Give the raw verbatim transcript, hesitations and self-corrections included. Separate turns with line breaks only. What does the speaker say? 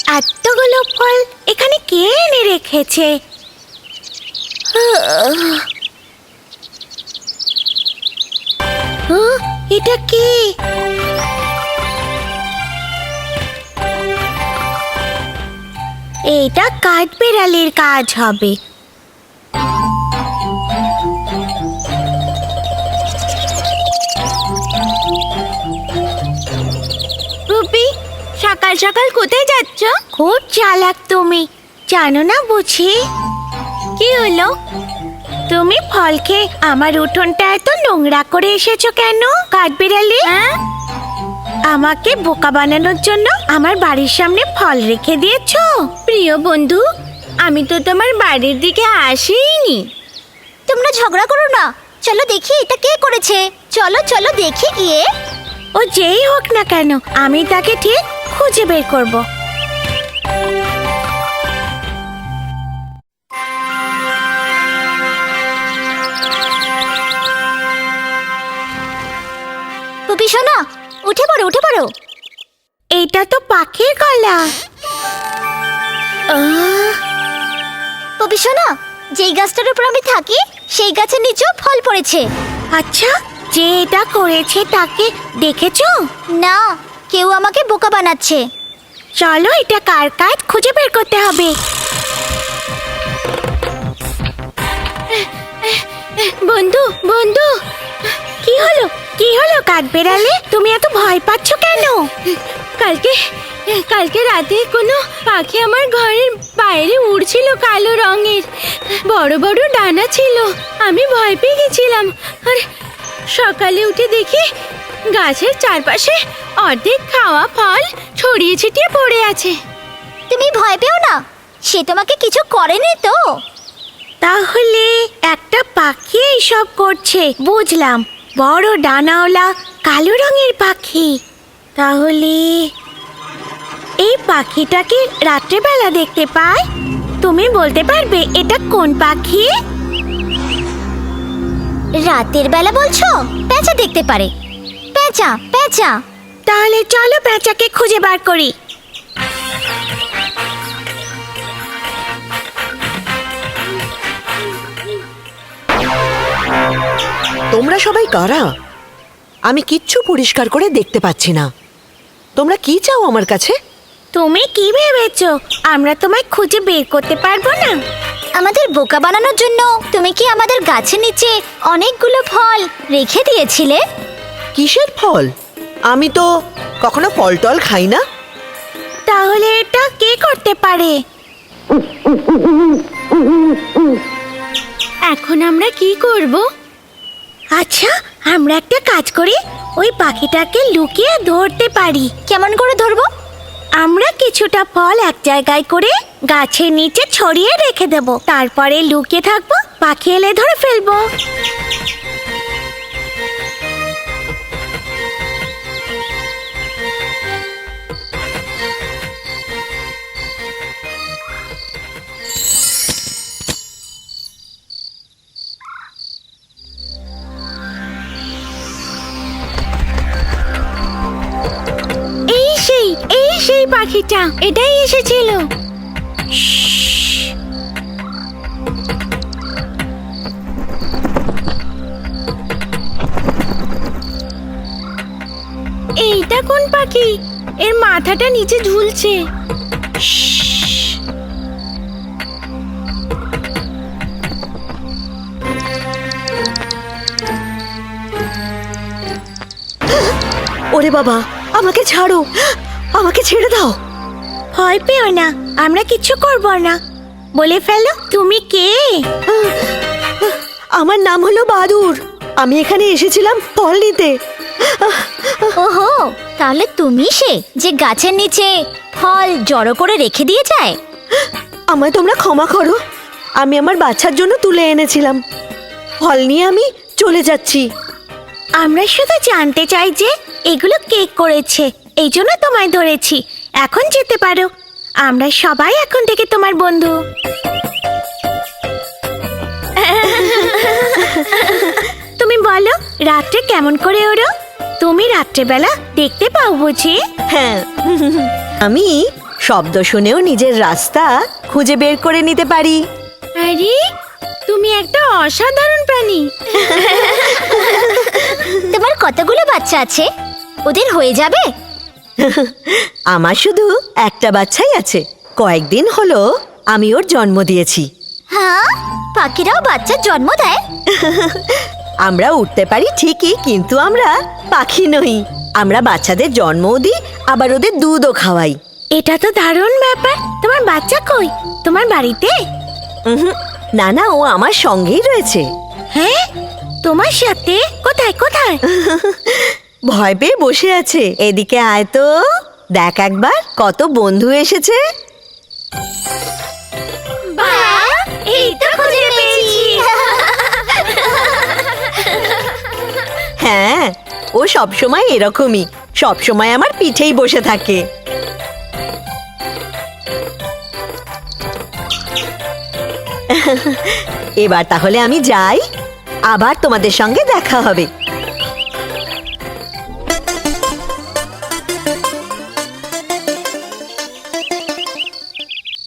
এতগুলো ফল এখানে কে এনে রেখেছে? এটা কি? এটা কাঠবিড়ালির কাজ হবে। রুবি, সকাল সকাল কোথায় যাচ্ছ? খুব চালাক তুমি, জানো না বুঝি? কি হলো? তুমি ফল খেয়ে আমার উঠোনটা এত নোংরা করে এসেছো কেন কাঠবিড়ালি? আমাকে বোকা বানানোর জন্য আমার বাড়ির সামনে ফল রেখে দিয়েছো? প্রিয় বন্ধু, আমি তো তোমার বাড়ির দিকে আসিনি।
তোমরা ঝগড়া করো না, চলো দেখি এটা কে করেছে। চলো চলো দেখি গিয়ে।
ও যেই হোক না কেন, আমি তাকে ঠিক খুঁজে বের করব।
পুপি শোনো, উঠে পড়ো উঠে পড়ো।
এটা তো পাখির গলা।
পুপি শোনো, যেই গাছটার উপর আমি থাকি সেই গাছের নিচেও ফল পড়েছে।
আচ্ছা, যে এটা করেছে তাকে দেখেছো?
না, কেউ আমাকে বোকা বানাচ্ছে।
চলো এটা কার কাজ খুঁজে বের করতে হবে। বন্ধু বন্ধু, কি হলো কি হলো কাঠবিড়ালি, তুমি এত ভয় পাচ্ছ কেন? কালকে কালকে রাতে কোনো পাখি আমার ঘরের বাইরে উড়ছিল, কালো রঙের, বড় বড় ডানা ছিল। আমি ভয় পেয়ে গেছিলাম। আর সকালে উঠে দেখি গাছের চারপাশে অর্ধেক খাওয়া ফল ছড়িয়ে ছিটিয়ে পড়ে আছে।
তুমি ভয় পেও না, সে তোমাকে কিছু করেনি তো।
তাহলে একটা পাখি এইসব করছে, বুঝলাম। বড় ডানাওয়ালা কালো রঙের পাখি। তাহলে এই পাখিটাকে রাত্রেবেলা দেখতে পায়। তুমি বলতে পারবে এটা কোন পাখি?
রাতের বেলা বলছো? পেঁচা দেখতে পারে। পেঁচা পেঁচা।
তাহলে চলো পেঁচাকে খুঁজে বার করি।
তোমরা সবাই কারা? আমি কিচ্ছু পরিষ্কার করে দেখতে পাচ্ছি না। তোমরা কি চাও আমার কাছে?
তুমি কি ভেবেছো আমরা তোমায় খুঁজে বের করতে পারবো না?
আমাদের বোকা বানানোর জন্য তুমি কি আমাদের গাছের নিচে অনেকগুলো ফল রেখে দিয়েছিলে?
কিসের ফল? আমি তো কখনো ফল টল খাই না।
তাহলে এটা কে করতে পারে? এখন আমরা কি করব? আচ্ছা, আমরা একটা কাজ করি, ওই পাখিটাকে লুকিয়ে ধরতে পারি।
কেমন করে ধরবো?
আমরা কিছুটা ফল এক জায়গায় করে গাছের নিচে ছড়িয়ে রেখে দেব, তারপরে লুকিয়ে থাকবো, পাখি এলে ধরে ফেলবো। এই সেই এই সেই পাখিটা, এটাই এসেছিল। এইটা কোন পাখি? এর মাথাটা নিচে ঝুলছে।
ওরে বাবা, আমাকে ছাড়ো, আমাকে ছেড়ে দাও।
ভয় পেও না, আমরা কিচ্ছু করব না। বলে ফেলো তুমি কে?
আমার নাম হলো বাদুর। আমি এখানে এসেছিলাম ফল নিতে।
ওহো, তাহলে তুমি সে যে গাছের নিচে ফল জড়ো করে রেখে দিয়ে যায়?
আমায় তোমরা ক্ষমা করো, আমি আমার বাচ্চার জন্য তুলে এনেছিলাম। ফল নিয়ে আমি চলে যাচ্ছি।
আমরা শুধু জানতে চাই যে এগুলো কে করেছে, এই জন্য তোমায় ধরেছি। এখন যেতে পারো, আমরা সবাই এখন থেকে তোমার বন্ধু। তুমি বলো, রাত্রে কেমন করে ওড়ো? তুমি রাত্রেবেলা দেখতে পাও বুঝি?
হ্যাঁ, আমি শব্দ শুনেও নিজের রাস্তা খুঁজে বের করে নিতে পারি।
আরে তুমি একটা অসাধারণ প্রাণী।
তোমার কতগুলো বাচ্চা আছে? ওদের হয়ে যাবে?
আমার শুধু একটা বাচ্চাই আছে। কয়েকদিন হলো আমি ওর জন্ম দিয়েছি।
হ্যাঁ, পাখিরাও বাচ্চার জন্ম দেয়?
আমরা উঠতে পারি ঠিকই, কিন্তু আমরা পাখি নই। আমরা বাচ্চাদের জন্মও দিই, আবার ওদের দুধও খাওয়াই।
এটা তো দারুণ ব্যাপার। তোমার বাচ্চা কই? তোমার বাড়িতে?
উহুম, না না, ও আমার সঙ্গেই রয়েছে।
হ্যাঁ, তোমার সাথে? কোথায় কোথায়?
ভয় পেয়ে বসে আছে। এদিকে আয় তো, দেখ একবার কত বন্ধু এসেছে।
বাহ, এই তো খুঁজে পেয়েছি।
হ্যাঁ, ও সবসময় এরকমই, সবসময় আমার পিঠেই বসে থাকে। এবার তাহলে আমি যাই, আবার তোমাদের সঙ্গে দেখা হবে।